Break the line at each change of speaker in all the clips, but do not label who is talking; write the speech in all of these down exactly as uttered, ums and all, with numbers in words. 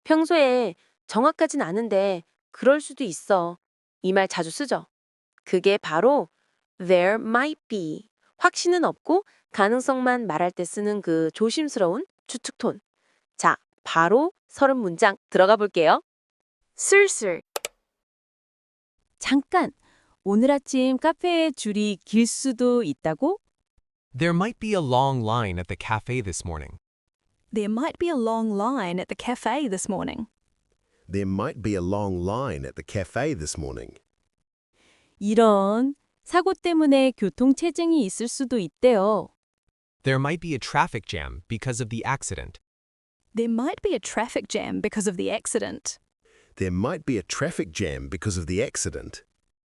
평소에 정확하진 않은데 그럴 수도 있어. 이 말 자주 쓰죠. 그게 바로 there might be. 확신은 없고 가능성만 말할 때 쓰는 그 조심스러운 추측 톤. 자, 바로 서른 문장 들어가 볼게요.
술술.
잠깐! 오늘 아침 카페에 줄이 길 수도 있다고?
There might be a long line at the cafe this morning.
There might be a long line at the cafe this morning.
There might be a long line at the cafe this morning.
이런 사고 때문에 교통체증이 있을 수도 있대요.
There might be a traffic jam because of the accident.
There might be a traffic jam because of the accident.
There might be a traffic jam because of the accident.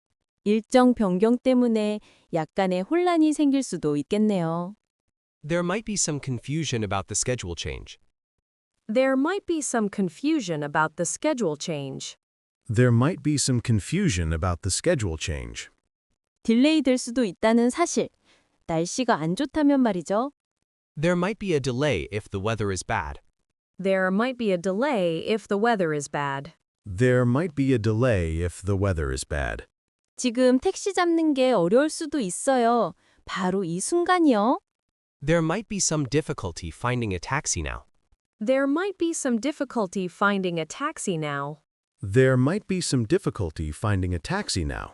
일정 변경 때문에 약간의 혼란이 생길 수도 있겠네요.
There might be some confusion about the schedule change.
There might be some confusion about the schedule change.
There might be some confusion about the schedule change.
딜레이 될 수도 있다는 사실. 날씨가 안 좋다면 말이죠.
There might be a delay if the weather is bad.
There might be a delay if the weather is bad.
There might be a delay if the weather is bad.
지금 택시 잡는 게 어려울 수도 있어요. 바로 이 순간이요.
There might be some difficulty finding a taxi now.
There might be some difficulty finding a taxi now.
There might be some difficulty finding a taxi now.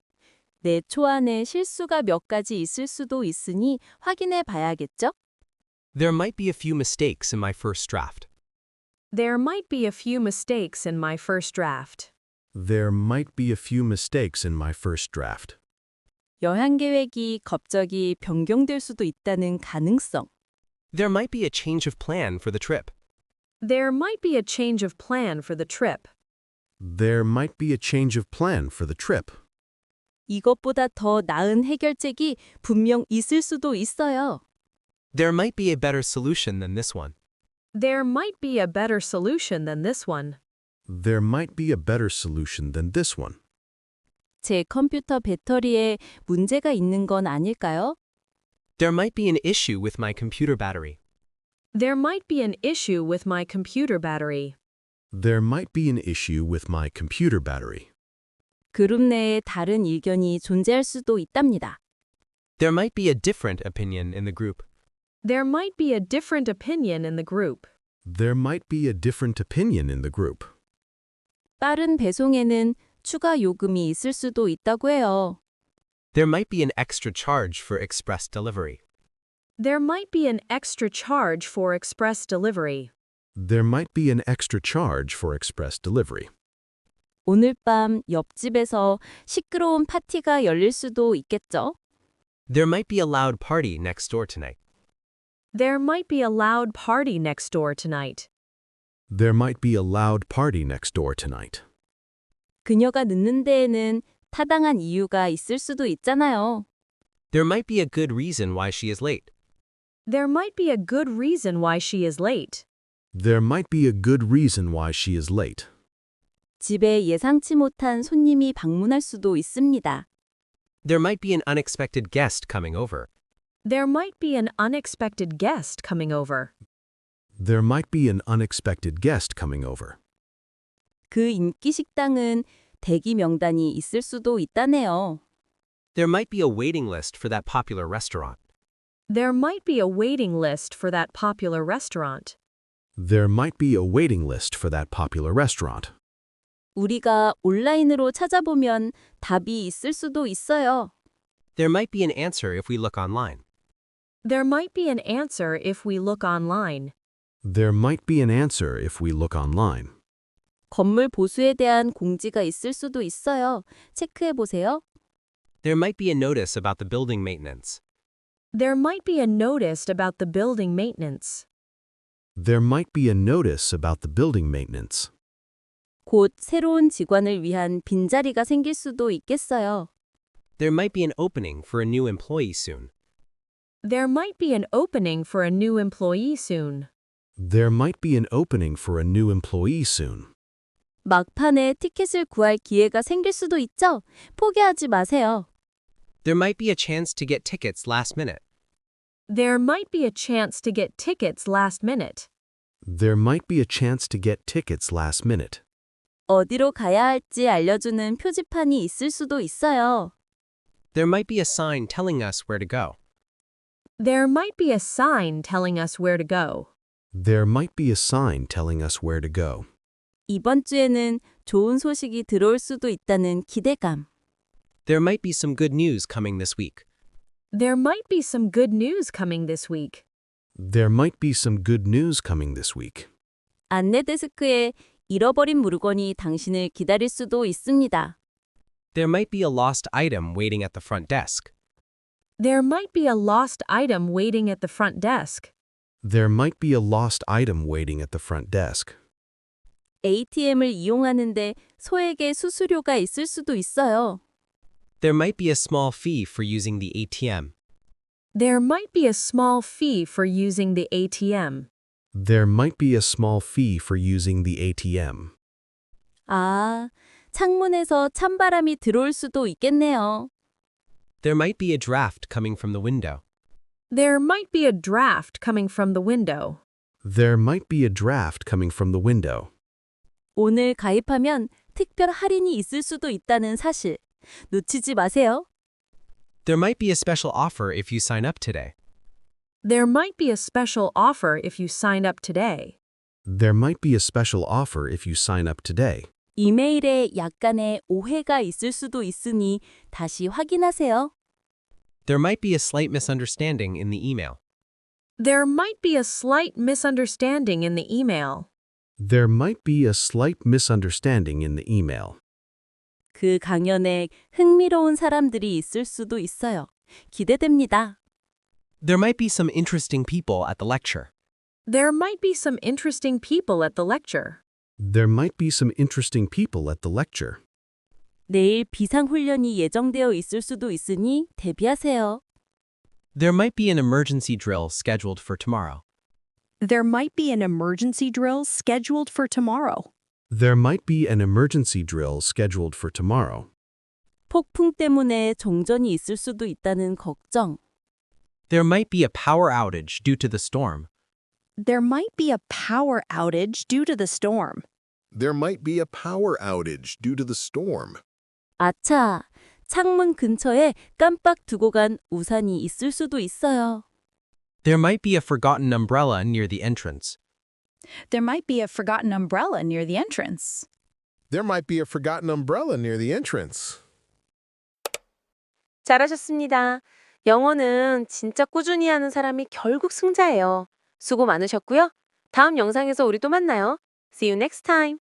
내 초안에 실수가 몇 가지 있을 수도 있으니 확인해 봐야겠죠?
There might be a few mistakes in my first draft.
There might be a few mistakes in my first draft.
There might be a few mistakes in my first draft.
여행 계획이 갑자기 변경될 수도 있다는 가능성.
There might be a change of plan for the trip.
There might be a change of plan for the trip.
There might be a change of plan for the trip.
이것보다 더 나은 해결책이 분명 있을 수도 있어요.
There might be a better solution than this one.
There might be a better solution than this one.
There might be a better solution than this one.
제 컴퓨터 배터리에 문제가 있는 건 아닐까요?
There might be an issue with my computer battery.
There might be an issue with my computer battery.
There might be an issue with my computer battery.
그룹 내에 다른 의견이 존재할 수도 있답니다.
There might be a different opinion in the group.
There might be a different opinion in the group.
There might be a different opinion in the group.
빠른 배송에는 추가 요금이 있을 수도 있다고 해요.
There might be an extra charge for express delivery.
There might be an extra charge for express delivery.
There might be an extra charge for express delivery.
오늘 밤 옆집에서 시끄러운 파티가 열릴 수도 있겠죠?
There might be a loud party next door tonight.
There might be a loud party next door tonight.
There might be a loud party next door tonight.
그녀가 늦는 데에는 타당한 이유가 있을 수도 있잖아요.
There might be a good reason why she is late.
There might be a good reason why she is late.
There might be a good reason why she is late.
집에 예상치 못한 손님이 방문할 수도 있습니다.
There might be an unexpected guest coming over.
There might be an unexpected guest coming over.
There might be an unexpected guest coming over.
그 인기 식당은 대기 명단이 있을 수도 있다네요.
There might be a waiting list for that popular restaurant.
There might be a waiting list for that popular restaurant.
There might be a waiting list for that popular restaurant.
우리가 온라인으로 찾아보면 답이 있을 수도 있어요.
There might be an answer if we look online.
There might be an answer if we look online.
There might be an answer if we look online.
건물 보수에 대한 공지가 있을 수도 있어요. 체크해 보세요.
There might be a notice about the building maintenance.
There might be a notice about the building maintenance.
There might be a notice about the building maintenance.
곧 새로운 직원을 위한 빈자리가 생길 수도 있겠어요.
There might be an opening for a new employee soon.
There might be an opening for a new employee soon.
There might be an opening for a new employee soon.
막판에 티켓을 구할 기회가 생길 수도 있죠? 포기하지 마세요.
There might be a chance to get tickets last minute.
There might be a chance to get tickets last minute.
There might be a chance to get tickets last minute.
어디로 가야 할지 알려주는 표지판이 있을 수도 있어요.
There might be a sign telling us where to go.
There might be a sign telling us where to go.
There might be a sign telling us where to go.
이번 주에는 좋은 소식이 들어올 수도 있다는 기대감.
There might be some good news coming this week.
There might be some good news coming this week.
There might be some good news coming this week.
안내 데스크에 잃어버린 물건이 당신을 기다릴 수도 있습니다.
There might be a lost item waiting at the front desk.
There might be a lost item waiting at the front desk.
There might be a lost item waiting at the front desk.
에이티엠을 이용하는데 소액의 수수료가 있을 수도 있어요.
There might be a small fee for using the A T M.
There might be a small fee for using the A T M.
There might be a small fee for using the A T M.
아, 창문에서 찬바람이 들어올 수도 있겠네요.
There might be a draft coming from the window.
There might be a draft coming from the window.
There might be a draft coming from the window.
오늘 가입하면 특별 할인이 있을 수도 있다는 사실. 놓치지 마세요.
There might be a special offer if you sign up today.
There might be a special offer if you sign up today.
There might be a special offer if you sign up today.
이메일에 약간의 오해가 있을 수도 있으니 다시 확인하세요.
There might be a slight misunderstanding in the email.
There might be a slight misunderstanding in the email.
There might be a slight misunderstanding in the email.
그 강연에 흥미로운 사람들이 있을 수도 있어요. 기대됩니다.
There might be some interesting people at the lecture.
There might be some interesting people at the lecture.
There might be some interesting people at the lecture.
내일 비상훈련이 예정되어 있을 수도 있으니 대비하세요.
There might be an emergency drill scheduled for tomorrow.
There might be an emergency drill scheduled for tomorrow.
There might be an emergency drill scheduled for tomorrow.
폭풍 때문에 정전이 있을 수도 있다는 걱정.
There might be a power outage due to the storm.
There might be a power outage due to the storm.
There might be a power outage due to the storm.
아차, 창문 근처에 깜빡 두고 간 우산이 있을 수도 있어요.
There might be a forgotten umbrella near the entrance.
There might be a forgotten umbrella near the entrance.
There might be a forgotten umbrella near the entrance.
잘하셨습니다. 영어는 진짜 꾸준히 하는 사람이 결국 승자예요. 수고 많으셨고요. 다음 영상에서 우리 또 만나요. See you next time.